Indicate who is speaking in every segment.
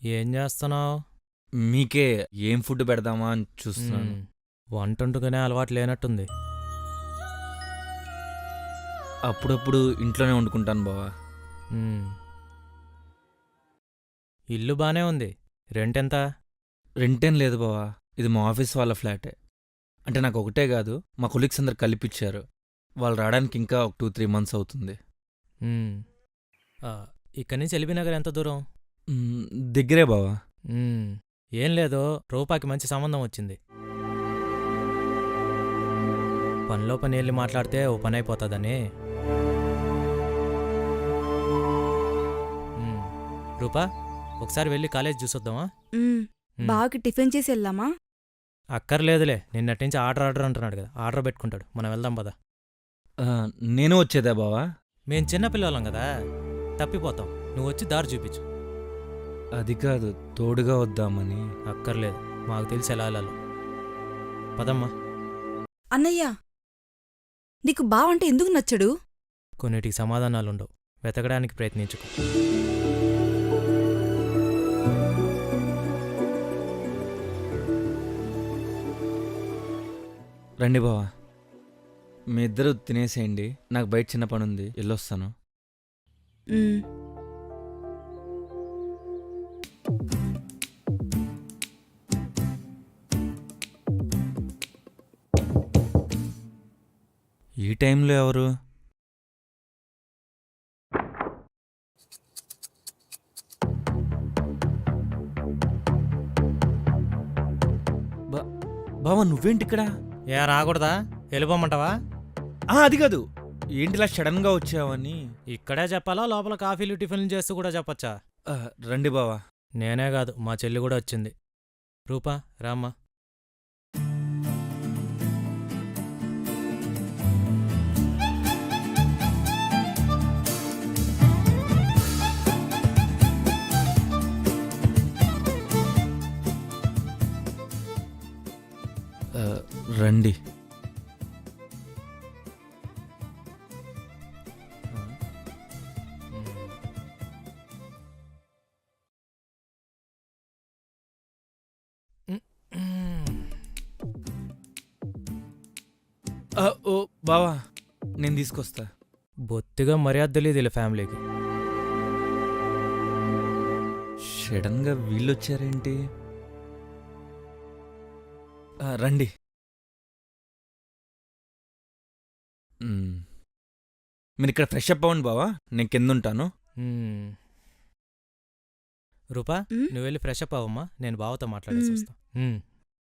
Speaker 1: ఏం చేస్తున్నావు?
Speaker 2: మీకే ఏం ఫుడ్ పెడదామా అని చూస్తున్నాను.
Speaker 1: వంటొండుకునే అలవాటు లేనట్టుంది.
Speaker 2: అప్పుడప్పుడు ఇంట్లోనే వండుకుంటాను బావా.
Speaker 1: మ్మ్. ఇల్లు బానే ఉంది. రెంటెంత?
Speaker 2: రెంటేం లేదు బావా, ఇది మా ఆఫీస్ వాళ్ళ ఫ్లాటే. అంటే నాకు ఒకటే కాదు, మా కొలీగ్స్ అందరు కలిపిచ్చారు. వాళ్ళు రావడానికి ఇంకా ఒక 2-3 మంత్స్ అవుతుంది.
Speaker 1: మ్మ్. ఆ, ఇక్కడి నుంచి ఎల్బీనగర్ ఎంత దూరం?
Speaker 2: మ్, దగ్గరే బావా.
Speaker 1: మ్మ్. ఏం లేదు, రూపాకి మంచి సంబంధం వచ్చింది. పనిలో పని వెళ్ళి మాట్లాడితే ఓ పని అయిపోతుందని. మ్మ్. రూపా, ఒకసారి వెళ్ళి కాలేజ్ చూసొద్దామా?
Speaker 3: మ్మ్.
Speaker 1: మ్మ్.
Speaker 3: బావకి టిఫిన్ చేసి వెళ్దామా?
Speaker 1: అక్కర్లేదులే, నిన్నటి నుంచి ఆర్డర్ అంటున్నాడు కదా, ఆర్డర్ పెట్టుకుంటాడు. మనం వెళ్దాం పద.
Speaker 2: ఆ, నేను వచ్చేదా బావా?
Speaker 1: మేం చిన్నపిల్లలం కదా, తప్పిపోతాం. నువ్వు వచ్చి దారి చూపించు.
Speaker 2: అది కాదు, తోడుగా వద్దామని.
Speaker 1: అక్కర్లేదు, మాకు తెలిసి ఎలా వెళ్ళాలో. పదమ్మా.
Speaker 3: అన్నయ్య, నీకు బావంటే ఎందుకు నచ్చడు?
Speaker 1: కొన్నిటికి సమాధానాలుండవు, వెతకడానికి ప్రయత్నించుకో.
Speaker 2: రండి బావా, మీ ఇద్దరు తినేసేయండి. నాకు బయట చిన్న పని ఉంది, వెళ్ళొస్తాను.
Speaker 3: మ్మ్.
Speaker 2: ఈ టైంలో ఎవరు? బావా, నువ్వేంటి ఇక్కడ?
Speaker 1: ఏ రాకూడదా? వెళ్ళిపోమంటావా?
Speaker 2: అది కాదు, ఏంటిలా సడన్గా వచ్చావని.
Speaker 1: ఇక్కడే చెప్పాలా, లోపల కాఫీలు టిఫిన్లు చేస్తూ కూడా చెప్పచ్చా?
Speaker 2: ఆ, రండి బావా.
Speaker 1: నేనే కాదు, మా చెల్లి కూడా వచ్చింది. రూపా, రామ్మా.
Speaker 2: ఆ, రండి. ఓ బావా, నేను తీసుకొస్తా.
Speaker 1: బొత్తిగా మర్యాద తెలియదు వీళ్ళ ఫ్యామిలీకి.
Speaker 2: సడన్గా వీళ్ళొచ్చారేంటి? రండి. మీరు ఇక్కడ ఫ్రెష్ అప్ అవ్వండి బావా, నేను కింద ఉంటాను.
Speaker 1: మ్మ్. రూపా,
Speaker 3: మ్మ్?
Speaker 1: నువ్వు వెళ్ళి ఫ్రెష్ అప్ అవ్వమ్మా, నేను బావతో మాట్లాడేసి
Speaker 3: మ్మ్.
Speaker 1: వస్తా. మ్మ్.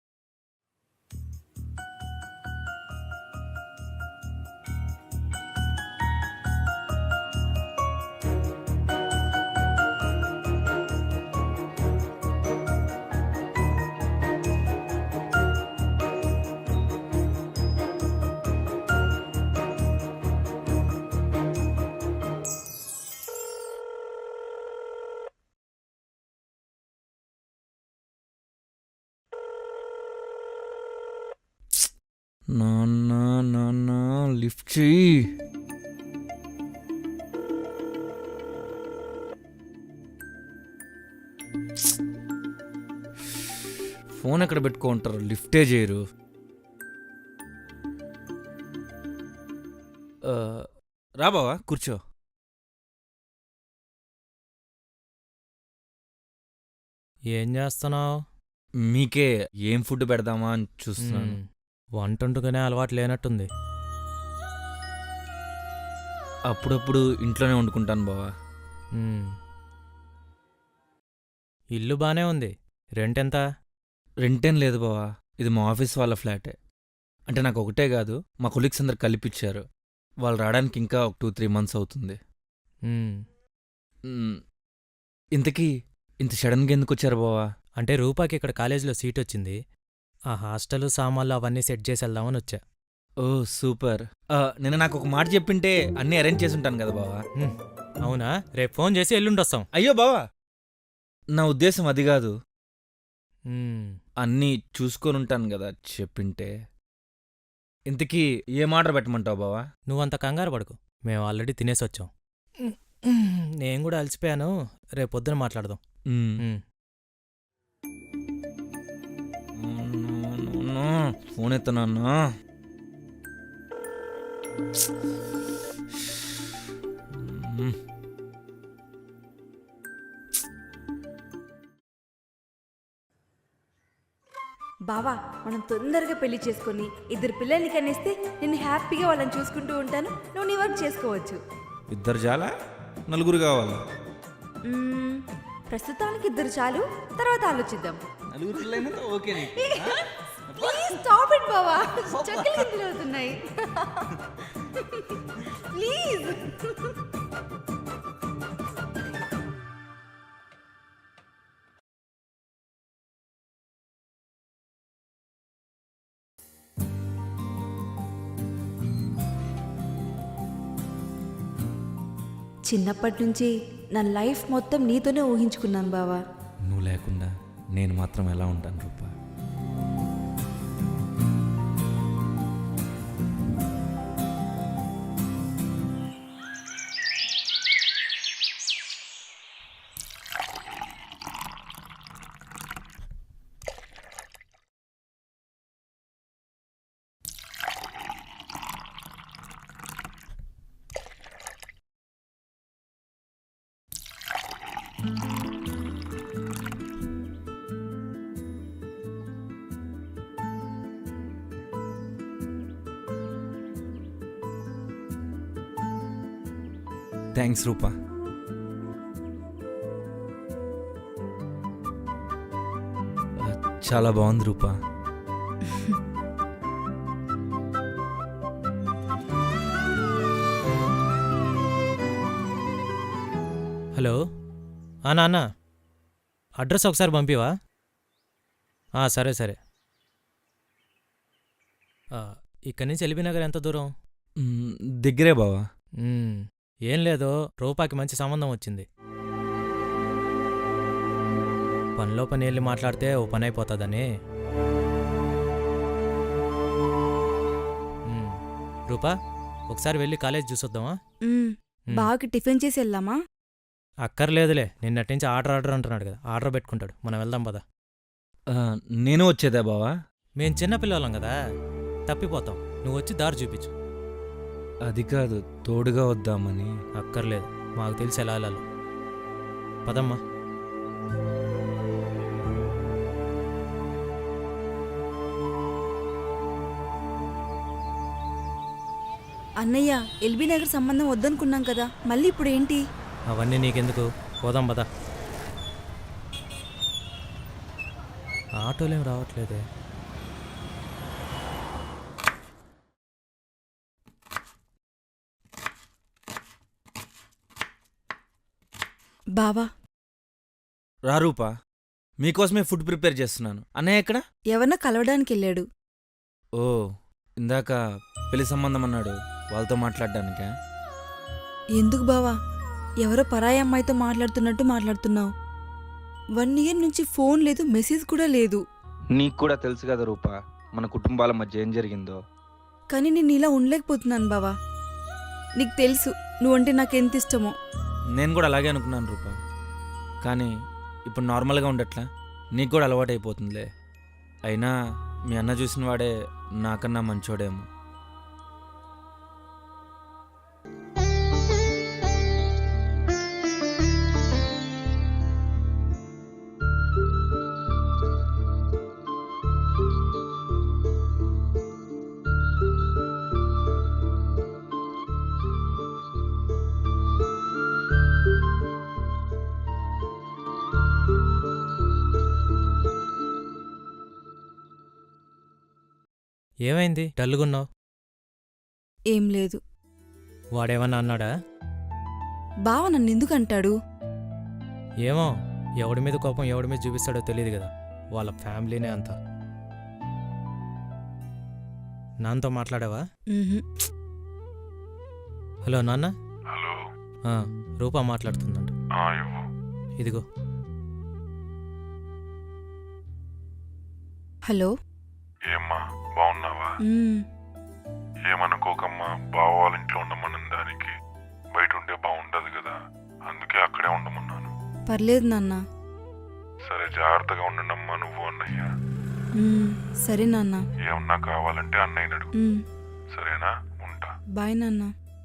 Speaker 2: నాన్న నాన్న, లిఫ్ట్ చెయ్యి. ఫోన్ ఎక్కడ పెట్టుకుంటారు, లిఫ్టే చేయరు. ఆ, రా బావా, కూర్చో.
Speaker 1: ఏం చేస్తున్నావు?
Speaker 2: మీకే ఏం ఫుడ్ పెడదామా అని చూస్తున్నాను.
Speaker 1: వంటొండుకునే అలవాటు లేనట్టుంది.
Speaker 2: అప్పుడప్పుడు ఇంట్లోనే వండుకుంటాను బావా.
Speaker 1: మ్మ్. ఇల్లు బానే ఉంది. రెంటెంత?
Speaker 2: రెంటేం లేదు బావా, ఇది మా ఆఫీస్ వాళ్ళ ఫ్లాటే. అంటే నాకు ఒకటే కాదు, మా కొలీగ్స్ అందరు కలిపిచ్చారు. వాళ్ళు రావడానికి ఇంకా ఒక 2-3 మంత్స్ అవుతుంది.
Speaker 1: మ్మ్.
Speaker 2: మ్, ఇంతకీ ఇంత సడన్గా ఎందుకు వచ్చారు బావా?
Speaker 1: అంటే రూపాకి ఇక్కడ కాలేజీలో సీట్ వచ్చింది. ఆ హాస్టల్ సామాన్లు అవన్నీ సెట్ చేసి వెళ్దామని వచ్చా.
Speaker 2: ఓ సూపర్. నిన్న నాకు ఒక మాట చెప్పింటే అన్నీ అరేంజ్ చేసి ఉంటాను కదా బావా.
Speaker 1: మ్మ్. అవునా? రేపు ఫోన్ చేసి ఎల్లుండొస్తాం.
Speaker 2: అయ్యో బావా, నా ఉద్దేశం అది కాదు.
Speaker 1: మ్మ్.
Speaker 2: అన్నీ చూసుకొని ఉంటాను కదా చెప్పింటే. ఇంతకీ ఏం ఆర్డర్ పెట్టమంటావు బావా?
Speaker 1: నువ్వంత కంగారు పడుకు, మేము ఆల్రెడీ తినేసొచ్చాం. నేను కూడా అలసిపోయాను, రేపు పొద్దున మాట్లాడదాం.
Speaker 2: మ్,
Speaker 1: మ్మ్.
Speaker 2: ఫోన్ ఎత్తనన్నా.
Speaker 3: బావా మనం తొందరగా పెళ్లి చేసుకొని 2 పిల్లల్ని కనేస్తే నేను హ్యాపీగా వాళ్ళని చూసుకుంటూ ఉంటాను, నువ్వు నీ వర్క్ చేసుకోవచ్చు.
Speaker 2: ఇద్దరు చాలా, నలుగురు కావాలా?
Speaker 3: ప్రస్తుతానికి 2 చాలు, తర్వాత ఆలోచిద్దాం.
Speaker 2: నలుగురు పిల్లలైనా ఓకే.
Speaker 3: ప్లీజ్ స్టాప్ ఇట్ బావా, చక్కలు గింజలు అవుతున్నాయి. ప్లీజ్. చిన్నప్పటి నుంచి నా లైఫ్ మొత్తం నీతోనే ఊహించుకున్నాను బావా.
Speaker 2: నువ్వు లేకుండా నేను మాత్రం ఎలా ఉంటాను రూపా? థ్యాంక్స్ రూపా. చాలా బాగుంది రూపా.
Speaker 1: హలో, నాన్న, అడ్రస్ ఒకసారి పంపివా? సరే సరే. ఇక్కడి నుంచి ఎల్బీ నగర్ ఎంత దూరం?
Speaker 2: దగ్గరే బావా.
Speaker 1: ఏం లేదు, రూపాకి మంచి సంబంధం వచ్చింది. పనిలో పని వెళ్ళి మాట్లాడితే ఓ పని అయిపోతుందని. రూపా, ఒకసారి వెళ్ళి కాలేజ్ చూసొద్దామా?
Speaker 3: బావకి టిఫిన్ చేసి వెళ్దామా?
Speaker 1: అక్కర్లేదులే, నిన్నటి నుంచి ఆర్డర్ అంటున్నాడు కదా, ఆర్డర్ పెట్టుకుంటాడు. మనం వెళ్దాం పదా.
Speaker 2: నేను వచ్చేదా బావా?
Speaker 1: మేం చిన్నపిల్లలం కదా, తప్పిపోతాం. నువ్వు వచ్చి దారి చూపించు.
Speaker 2: అది కాదు, తోడుగా వద్దామని.
Speaker 1: అక్కర్లేదు, మాకు తెలిసి ఎలా వెళ్ళాలో. పదమ్మా.
Speaker 3: అన్నయ్య, ఎల్బీ నగర్ సంబంధం వద్దనుకున్నాం కదా, మళ్ళీ ఇప్పుడు ఏంటి?
Speaker 1: అవన్నీ నీకెందుకు, పోదాం పదా. ఆటోలేం రావట్లేదే.
Speaker 3: బావా,
Speaker 2: రా రూపా, మీకోసమే ఫుడ్ ప్రిపేర్ చేస్తున్నాను. అన్నయ్య ఎక్కడ?
Speaker 3: ఎవరన్నా కలవడానికి వెళ్ళాడు.
Speaker 2: ఓ, ఇందాక పెళ్లి సంబంధం అన్నాడు, వాళ్ళతో మాట్లాడడానికా?
Speaker 3: ఎందుకు బావా, ఎవరో పరాయి అమ్మాయితో మాట్లాడుతున్నట్టు మాట్లాడుతున్నావు. 1 ఇయర్ నుంచి ఫోన్ లేదు, మెసేజ్ కూడా లేదు.
Speaker 4: నీకు కూడా తెలుసు కదా రూపా, మన కుటుంబాల మధ్య ఏం జరిగిందో.
Speaker 3: కానీ నేను ఇలా ఉండలేకపోతున్నాను బావా. నీకు తెలుసు నువ్వంటే నాకెంత ఇష్టమో.
Speaker 2: నేను కూడా అలాగే అనుకున్నాను రూపా, కానీ ఇప్పుడు నార్మల్గా ఉండట్లా. నీకు కూడా అలవాటు అయిపోతుందిలే. అయినా మీ అన్న చూసిన వాడే నాకన్నా మంచోడేమో.
Speaker 1: ఏమైంది, డల్లుగున్నావు?
Speaker 3: ఏం లేదు.
Speaker 1: వాడేమన్నా అన్నాడా?
Speaker 3: బావ నన్ను ఎందుకు అంటాడు?
Speaker 1: ఏమో, ఎవడి మీద కోపం ఎవడి మీద చూపిస్తాడో తెలియదు కదా, వాళ్ళ ఫ్యామిలీనే అంతా. నాన్నతో మాట్లాడావా? హలో నాన్న.
Speaker 5: హలో.
Speaker 1: రూపా మాట్లాడుతుందంట. ఇదిగో.
Speaker 3: హలో.
Speaker 5: ఏమ్మా, బాగున్నావా? ఏమనుకోకమ్మా, బావ వాళ్ళ ఇంట్లో ఉండమన్న దానికి బయట ఉంటే బాగుండదు కదా, అందుకే అక్కడే ఉండమన్నాను.
Speaker 3: పర్లేదు నాన్న.
Speaker 5: సరే, జాగ్రత్తగా ఉండండమ్మా నువ్వు అన్నయ్య.
Speaker 3: సరే నాన్న.
Speaker 5: ఏమన్నా కావాలంటే అన్నయ్యని అడుగు.
Speaker 3: మ్మ్.
Speaker 5: సరేనా? ఉంటా.
Speaker 3: బాయ్ నాన్న.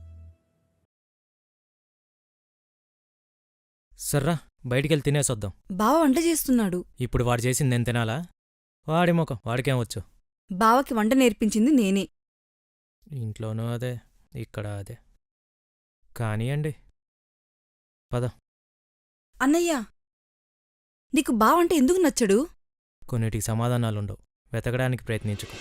Speaker 1: సర్రా బయటికెళ్ళి తినేసొద్దాం.
Speaker 3: బావ వంట చేస్తున్నాడు.
Speaker 1: ఇప్పుడు వాడు చేసింది నేను తినాలా? వాడి ముఖం వాడికేం వచ్చు.
Speaker 3: బావకి వంట నేర్పించింది నేనే.
Speaker 1: ఇంట్లోనూ అదే, ఇక్కడ అదే. కానియండి. పద.
Speaker 3: అన్నయ్య, నీకు బావ అంటే ఎందుకు నచ్చడు?
Speaker 1: కొన్నిటికి సమాధానాలుండవు, వెతకడానికి ప్రయత్నించుకో.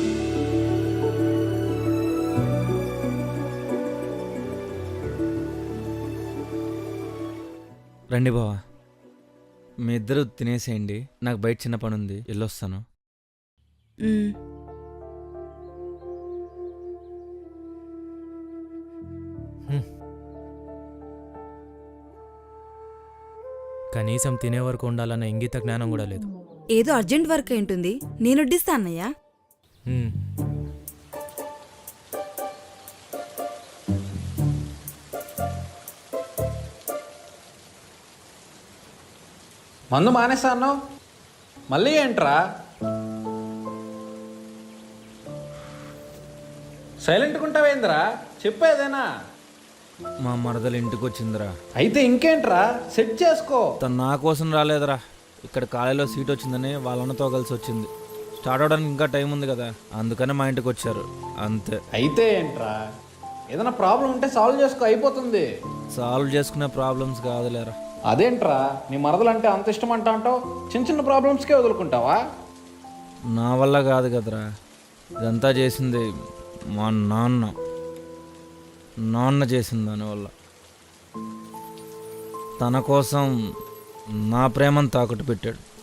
Speaker 2: రండి బావా, మీ ఇద్దరు తినేసేయండి. నాకు బయట చిన్న పని ఉంది, వెళ్ళొస్తాను.
Speaker 3: మ్మ్.
Speaker 1: కనీసం తినే వరకు ఉండాలన్న ఇంగిత జ్ఞానం కూడా లేదు.
Speaker 3: ఏదో అర్జెంట్ వర్క్ అయి ఉంటుంది, నేను వడ్డిస్తా అన్నయ్య.
Speaker 1: హ్మ్.
Speaker 6: మందు మానేస్తా అన్నావు, మళ్ళీ ఏంట్రా? సైలెంట్గా ఉంటావేంద్రా? చెప్పేదేనా?
Speaker 2: మా మరదలు ఇంటికి వచ్చిందిరా.
Speaker 6: అయితే ఇంకేంట్రా, సెట్ చేసుకో.
Speaker 2: తను నా కోసం రాలేదురా, ఇక్కడ కాలేజీలో సీట్ వచ్చిందని వాళ్ళన్నతో కలిసి వచ్చింది. స్టార్ట్ అవడానికి ఇంకా టైం ఉంది కదా, అందుకని మా ఇంటికి వచ్చారు అంతే.
Speaker 6: అయితే ఏంట్రా, ఏదైనా ప్రాబ్లం ఉంటే సాల్వ్ చేసుకో, అయిపోతుంది.
Speaker 2: సాల్వ్ చేసుకునే ప్రాబ్లమ్స్ కాదులేరా.
Speaker 6: అదేంట్రా, నీ మరదలంటే అంత ఇష్టం అంటావు, చిన్న చిన్న ప్రాబ్లమ్స్కే వదులుకుంటావా?
Speaker 2: నా వల్ల కాదు కదరా, ఇదంతా చేసింది మా నాన్న చేసింది. దానివల్ల తన కోసం నా ప్రేమను తాకట్టు పెట్టాడు.